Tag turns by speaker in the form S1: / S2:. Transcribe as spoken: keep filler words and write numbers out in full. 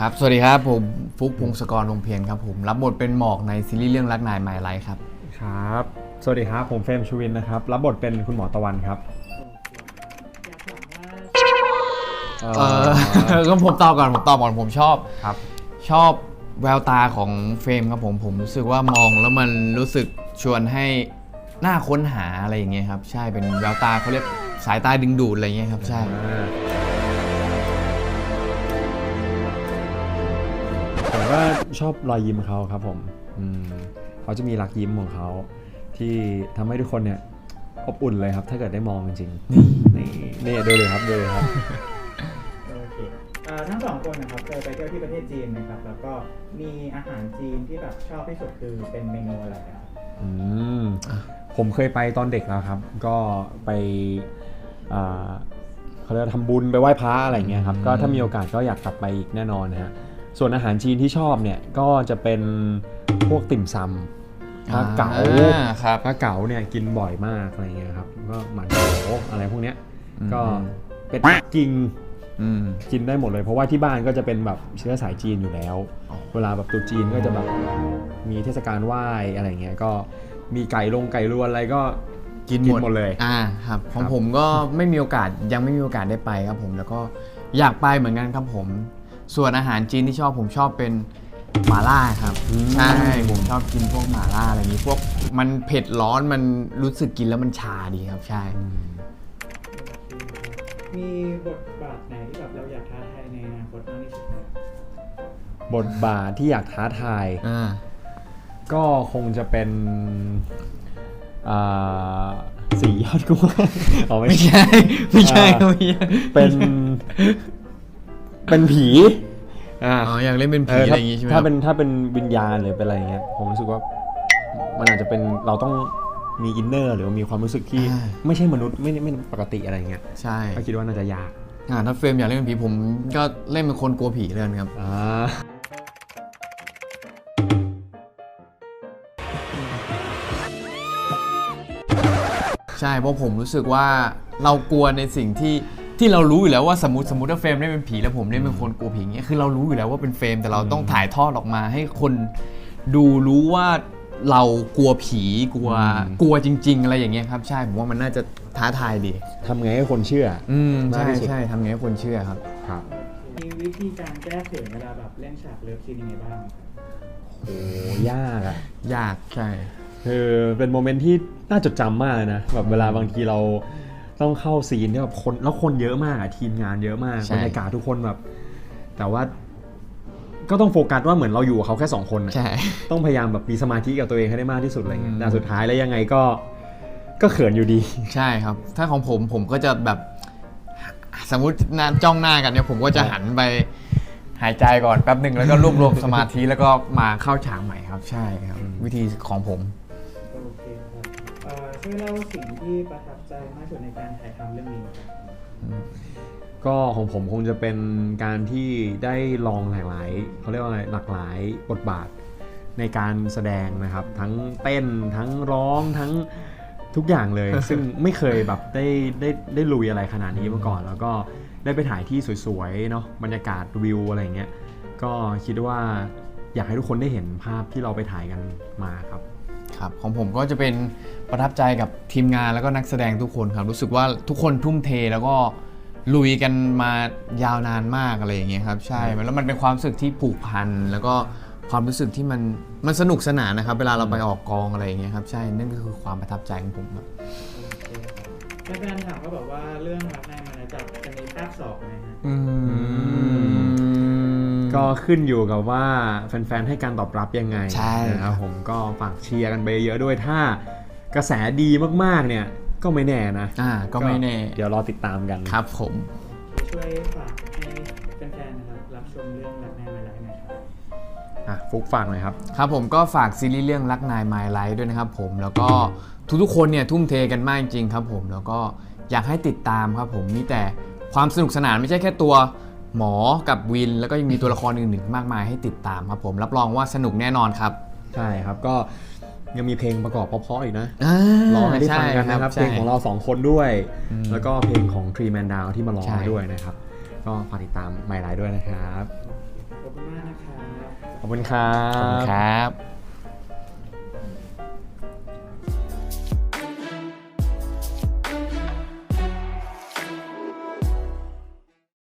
S1: ครับสวัสดีครับผมฟุกพงศกรวงเพียรครับผมรับบทเป็นหมอกในซีรีส์เรื่องรักนายไมล์ไลท์ครับ
S2: ครับสวัสดีครับผมเฟรมชูวินนะครับรับบทเป็นคุณหมอตะวันครับ
S1: เออก็ผมตอบก่อนผมตอบก่อนผมชอบ
S2: ครับ
S1: ชอบแววตาของเฟรมครับผมผมรู้สึกว่ามองแล้วมันรู้สึกชวนให้น่าค้นหาอะไรอย่างเงี้ยครับใช่เป็นแววตาเขาเรียกสายตาดึงดูดอะไรอย่างเงี้ยครับใช่
S2: ผมก็ชอบรอยยิ้มเขาครับผมเขาจะมีรักยิ้มของเขาที่ทำให้ทุกคนเนี่ยอบอุ่นเลยครับถ้าเกิดได้มองจริงๆนี่นี่ดูเลยครับดูเลยครับ
S3: โอเคทั้งสองคนนะครับเคยไปเที่ยวที่ประเทศจีนนะครับแล้วก็มีอาหารจีนที่แบบชอบที่สุดคือเป็นเมนูอะไรครับ
S2: อืมผมเคยไปตอนเด็กแล้วครับก็ไปเขาเรียกทำบุญไปไหว้พระอะไรเงี้ยครับก็ถ้ามีโอกาสก็อยากกลับไปอีกแน่นอนนะฮะส่วนอาหารจีนที่ชอบเนี่ยก็จะเป็นพวกติ่มซำปลาเก๋าปลาเก๋าเนี่ยกินบ่อยมากอะไรเงี้ยครับก็หมันโถอะไรพวกเนี้ยก็เป็นปักกิ่งกินได้หมดเลยเพราะว่าที่บ้านก็จะเป็นแบบเชื้อสายจีนอยู่แล้วเวลาแบบตุ๊จีนก็จะแบบมีเทศกาลไหว้อะไรเงี้ยก็มีไก่ลงไก่รวนอะไรก็
S1: กินหมดเลยอ่าครับของผมก็ไม่มีโอกาสยังไม่มีโอกาสได้ไปครับผมแล้วก็อยากไปเหมือนกันครับผมส่วนอาหารจีนที่ชอบผมชอบเป็นหม่าล่าครับใช่ผมชอบกินพวกหม่าล่าอะไรอย่างนี้พวกมันเผ็ดร้อนมันรู้สึกกินแล้วมันชาดีครับใช่
S3: มีบทบาทไหนที่แบบเราอยากท้าทายในอนาคตมากที่สุด
S2: บทบาทที่อยากท้าทายก็คงจะเป็นสี่ยอดกุ้งอ๋อไม่
S1: ใช่ไม่ใช่ไม่ใช่
S2: เป็นเป็นผี
S1: อ๋ออยากเล่นเป็นผีอะไรอย่างงี้ใช่ไหม
S2: ถ้าเป็นถ้าเป็นวิญญาณหรือเป็นอะไรเงี้ยผมรู้สึกว่ามันอาจจะเป็นเราต้องมีอินเนอร์หรือมีความรู้สึกที่ไม่ใช่มนุษย์ไม่ไม่ปกติอะไรเงี้ย
S1: ใช่
S2: ก็คิดว่าน่าจะยาก
S1: อ่าถ้าเฟรมอยากเล่นเป็นผีผมก็เล่นเป็นคนกลัวผีเลยครับ
S2: อ่า
S1: ใช่เพราะผมรู้สึกว่าเรากลัวในสิ่งที่ที่เรารู้อยู่แล้วว่าสมมติสมมติว่าเฟรมได้เป็นผีแล้วผมได้เป็นคนกลัวผีเงี้ยคือเรารู้อยู่แล้วว่าเป็นเฟรมแต่เราต้องถ่ายทอดออกมาให้คนดูรู้ว่าเรากลัวผีกลัวกลัวจริงๆอะไรอย่างเงี้ยครับใช่ผมว่ามันน่าจะท้าทายดี
S2: ทำไงให้คนเชื่อ
S1: อืมใช่ใช่ทำไงให้คนเชื่อครับ
S2: ครับ
S3: มีวิธีการแก้เขินเวลาแบบเล่นฉากเลิฟซีนยังไงบ้าง
S2: โอ้ยากอะ
S1: ยากใช่
S2: คือเป็นโมเมนต์ที่น่าจดจำมากเลยนะแบบเวลาบางทีเราต้องเข้าซีนที่แบบคนแล้วคนเยอะมากอะทีมงานเยอะมากบรรยากาศทุกคนแบบแต่ว่าก็ต้องโฟกัสว่าเหมือนเราอยู่กับเขาแค่สองคนต้องพยายามแบบมีสมาธิกับตัวเองให้ได้มากที่สุดอะไรเงี้ยแต่สุดท้ายแล้วยังไงก็ก็เขินอยู่ดี
S1: ใช่ครับถ้าของผมผมก็จะแบบสมมุติจ้องหน้ากันเนี่ยผมก็จะหันไปหายใจก่อนแป๊บหนึ่งแล้วก็รวบรวมสมาธิแล้วก็มาเข้าฉากใหม่ครับใช่ครับวิธีของผม
S3: โอเคครับช่วยเล่าสิ่งที่ประทับใจมากที่สุดในการถ่ายทำเรื่องนี้ครับ
S2: ก็ของผมคงจะเป็นการที่ได้ลองหลากหลายเขาเรียกว่าอะไรหลากหลายบทบาทในการแสดงนะครับทั้งเต้นทั้งร้องทั้งทุกอย่างเลย ซึ่งไม่เคยแบบได้ได้ได้ลุยอะไรขนาดนี้มาก่อนแล้วก็ได้ไปถ่ายที่สวยๆเนาะบรรยากาศวิวอะไรเงี้ยก็คิดว่าอยากให้ทุกคนได้เห็นภาพที่เราไปถ่ายกันมาครับ
S1: ครับของผมก็จะเป็นประทับใจกับทีมงานแล้วก็นักแสดงทุกคนครับรู้สึกว่าทุกคนทุ่มเทแล้วก็ลุยกันมายาวนานมากอะไรอย่างเงี้ยครับใช่แล้วมันเป็นความรู้สึกที่ผูกพันแล้วก็ความรู้สึกที่มันมันสนุกสนานนะครับเวลาเราไปออกกองอะไรอย่างเงี้ยครับใช่นั่นก็คือความประทับใจของผมครับ
S3: แฟนๆถามก็บอกว่าเรื่องรักนายมาแล้วจะจะมีภาคสองไหมฮะ
S2: ก็ขึ้นอยู่กับว่าแฟนๆให้การตอบรับยังไง
S1: ใช่
S2: นะครับผมก็ฝากเชียร์กันไปเยอะด้วยถ้ากระแสดีมากๆเนี่ยก็ไม่แน่นะ
S1: อ่าก็ไม่แน่
S2: เดี๋ยวรอติดตามกัน
S1: ครับผม
S3: ช่วยฝากให้แฟนๆนะครับรับชมเรื่องรักนายมาแล้วหน่อยครับ
S2: อ่ะฟุกฝากหน่อยครับ
S1: ครับผมก็ฝากซีรีส์เรื่องรักนายไมล์ไลท์ด้วยนะครับผมแล้วก็ทุกๆคนเนี่ยทุ่มเทกันมากจริงครับผมแล้วก็อยากให้ติดตามครับผมมีแต่ความสนุกสนานไม่ใช่แค่ตัวหมอกับวินแล้วก็ยังมีตัวละครอื่นๆมากมายให้ติดตามครับผมรับรองว่าสนุกแน่นอนครับ
S2: ใช่ครับก็ยังมีเพลงประกอบเพราะๆอีกนะร้องให้ได้ฟังกันนะครับเพลงของเราสองคนด้วยแล้วก็เพลงของ Three Man Down ที่มาร้องด้วยนะครับก็ฝากติดตามไมล์ไลท์ด้วยนะครับ
S3: โอขอบคุณมากนะครับ
S2: ขอบคุณครั
S1: ขอบคุณ
S2: บ
S1: ครับ